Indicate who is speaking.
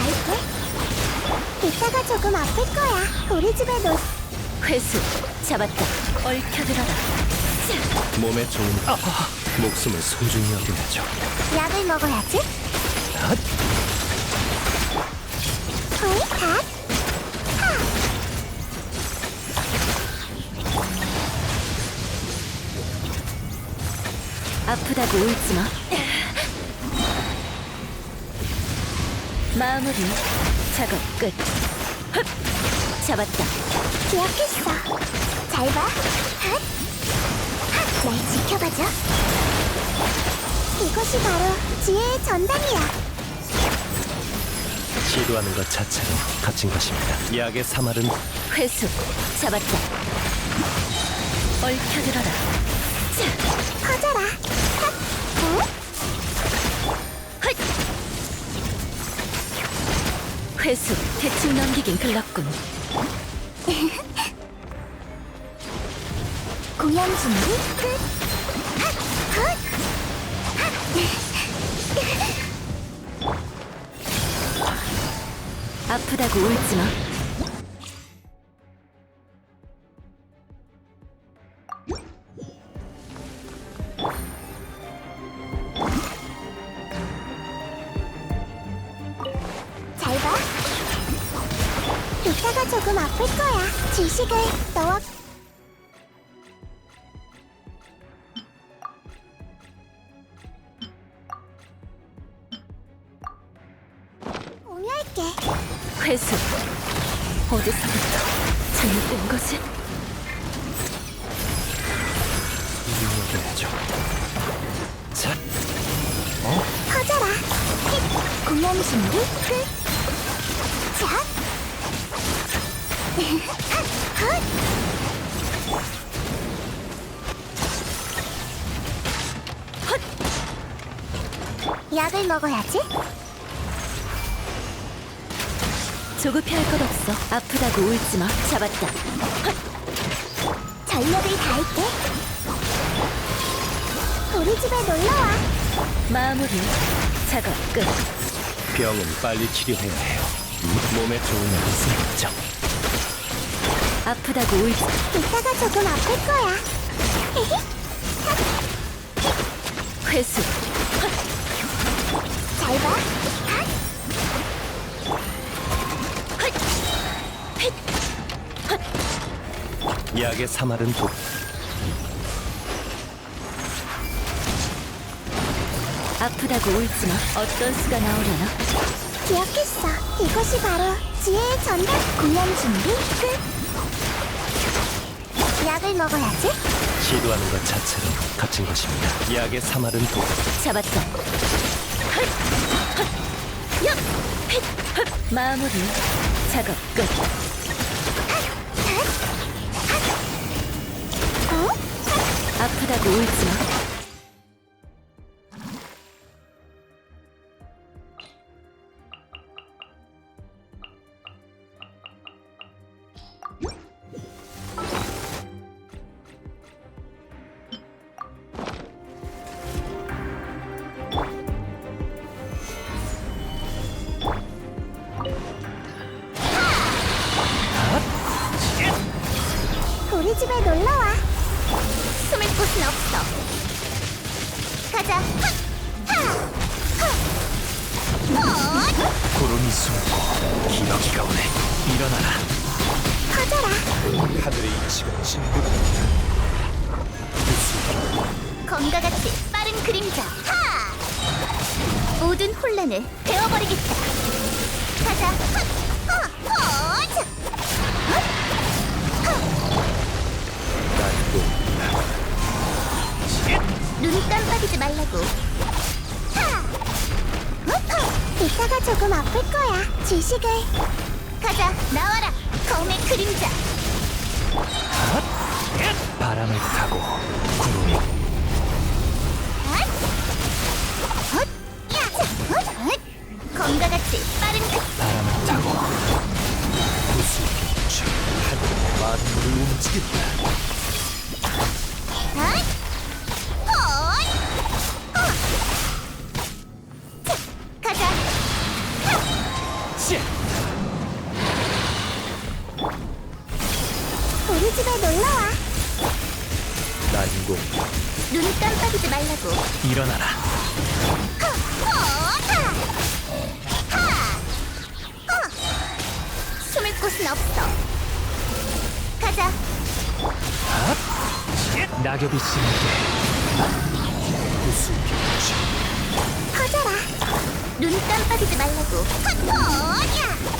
Speaker 1: 할게. 이따가 조금 아플 거야. 우리 집에
Speaker 2: 회수 잡았다. 얽혀들어라.
Speaker 3: 몸에 좋은 목숨을 소중히 여겨야죠.
Speaker 1: 약을 먹어야지.
Speaker 3: 핫!
Speaker 1: 호이 핫.
Speaker 2: 아프다고 울지마. 마무리. 작업 끝. 흡! 잡았다.
Speaker 1: 기억했어. 잘 봐. 핫. 핫. 날 지켜봐줘. 이것이 바로 지혜의 전당이야.
Speaker 3: 시도하는 것 자체로 갇힌 것입니다. 약의 사말은
Speaker 2: 회수 잡았다. 얽혀들어라.
Speaker 1: 퍼져라. 핫. 응?
Speaker 2: 헛! 회수 대충 넘기긴 글렀군.
Speaker 1: 공연 준비 끝. 핫. 헛.
Speaker 2: 아프다고 울지마.
Speaker 1: 잘 봐. 이따가 조금 아플 거야. 지식을 너와 공유할게.
Speaker 2: 회수 어디서부터 잘못된 거지?
Speaker 3: 소중히 여겨야죠. 자,
Speaker 1: 퍼져라. 힛. 공연 준비 끝. 자. 헛. 약을 먹어야지.
Speaker 2: 조급해할 것 없어. 아프다고 울지마. 잡았다.
Speaker 1: 전력을 다할게. 우리 집에 놀러와.
Speaker 2: 마무리. 작업 끝.
Speaker 3: 병은 빨리 치료해야 해요. 몸에 좋은 약을 쓰겠죠.
Speaker 2: 아프다고 울지.
Speaker 1: 이따가 조금 아플 거야. 히히.
Speaker 2: 회수.
Speaker 1: 잘 봐. 핫.
Speaker 3: 약의 사말은 독.
Speaker 2: 아프다고 울지마. 어떤 수가 나오려나?
Speaker 1: 기억했어. 이것이 바로 지혜의 전당. 공연 준비 끝. 약을 먹어야지.
Speaker 3: 시도하는 것 자체로 갇힌 것입니다. 약의 사말은 독.
Speaker 2: 잡았다. 마무리. 작업 끝.
Speaker 1: 어?
Speaker 2: 아프다고 울지마.
Speaker 1: 우리 집에 놀러와. 숨을 곳은 없어. 가자.
Speaker 3: 구름이 숨고 기러기가 오네. 일어나라.
Speaker 1: 퍼져라.
Speaker 3: 하늘의 이치가 진보다.
Speaker 1: 검과 같이 빠른 그림자. 모든 혼란을 베어버리겠다. 가자. 눈 깜빡이지 말라고. 이따가 조금 아플 거야. 지식을. 가자. 나와라. 검의 그림자.
Speaker 3: 바람을 타고 구름이
Speaker 1: 검과 같이 빠른
Speaker 3: 바람을 타고 구슬 하늘의 만물을 움직인다.
Speaker 1: 가자.
Speaker 3: 씨!
Speaker 1: 우리 집에 놀러와.
Speaker 3: 난공
Speaker 1: 눈 깜빡이지 말라고.
Speaker 3: 일어나라.
Speaker 1: 숨을 곳은 없어. 가자.
Speaker 3: 낙엽이 지는 게 구수병치.
Speaker 1: 퍼져라. 눈 깜빡이지 말라고. 야!